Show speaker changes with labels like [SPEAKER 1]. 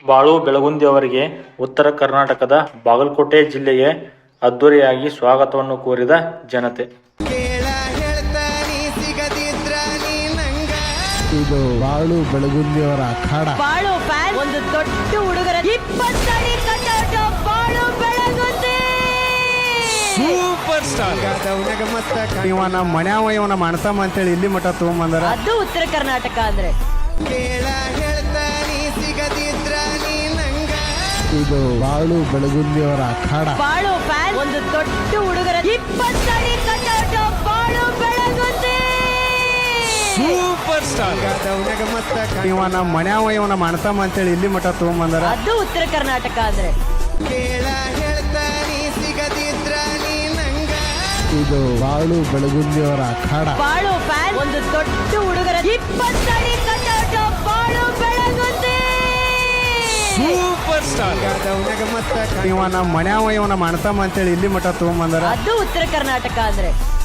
[SPEAKER 1] ಬಾಳು ಬೆಳಗುಂದಿ ಅವರಿಗೆ ಉತ್ತರ ಕರ್ನಾಟಕದ ಬಾಗಲಕೋಟೆ ಜಿಲ್ಲೆಗೆ ಅದ್ದೂರಿಯಾಗಿ ಸ್ವಾಗತವನ್ನು ಕೋರಿದ ಜನತೆ.
[SPEAKER 2] ಇದು ಬಾಳು ಬೆಳಗುಂದಿಯವರ ಅಖಾಡ.
[SPEAKER 3] ಬಾಳು ಫ್ಯಾನ್ ಒಂದು ದೊಡ್ಡ ಹುಡುಗರ 20 ಅಡಿ ಕಟ್ಔಟ್ ಬಾಳು ಬೆಳಗುಂದಿ
[SPEAKER 2] ಸೂಪರ್ ಸ್ಟಾರ್. ಇವ ನಮ್ಮ ಮನ್ಯಾವ ಇವನ ಮಣಸಮ್ಮ ಅಂತೇಳಿ ಇಲ್ಲಿ ಮಠ ತಗೊಂಬಂದಾರ.
[SPEAKER 3] ಅದು ಉತ್ತರ ಕರ್ನಾಟಕ ಅಂದ್ರೆ
[SPEAKER 2] ಇದು ಬಾಳು ಬೆಳಗುಂದಿಯವರ ಅಖಾಡ.
[SPEAKER 3] ಬಾಳು ಫ್ಯಾನ್ ಒಂದು ದೊಡ್ಡ ಹುಡುಗರ 20 ಅಡಿ ಕಟ್ಔಟ್ ಬಾಳು ಬೆಳಗುಂದಿ
[SPEAKER 2] ಸೂಪರ್ ಸ್ಟಾರ್. ಇವ ನಮ್ಮ ಮನ್ಯಾವ ಇವನ ಮಣಸಮ್ಮ ಅಂತೇಳಿ ಇಲ್ಲಿ ಮಠ ತಗೊಂಬಂದಾರ.
[SPEAKER 3] ಅದು ಉತ್ತರ ಕರ್ನಾಟಕ ಅಂದ್ರೆ
[SPEAKER 2] ಇದು ಬಾಳು ಬೆಳಗುಂದಿಯವರ ಅಖಾಡ.
[SPEAKER 3] ಬಾಳು ಫ್ಯಾನ್ ಒಂದು ದೊಡ್ಡ ಹುಡುಗರ 20 ಅಡಿ ಕಟ್ಔಟ್ ಬಾಳು ಬೆಳಗುಂದಿ
[SPEAKER 2] ಸೂಪರ್ ಸ್ಟಾರ್. ಇವ ನಮ್ಮ ಮನ್ಯಾವ ಇವನ ಮಣಸಮ್ಮ ಅಂತೇಳಿ ಇಲ್ಲಿ ಮಠ ತಗೊಂಬಂದಾರ.
[SPEAKER 3] ಅದು ಉತ್ತರ ಕರ್ನಾಟಕ ಅಂದ್ರೆ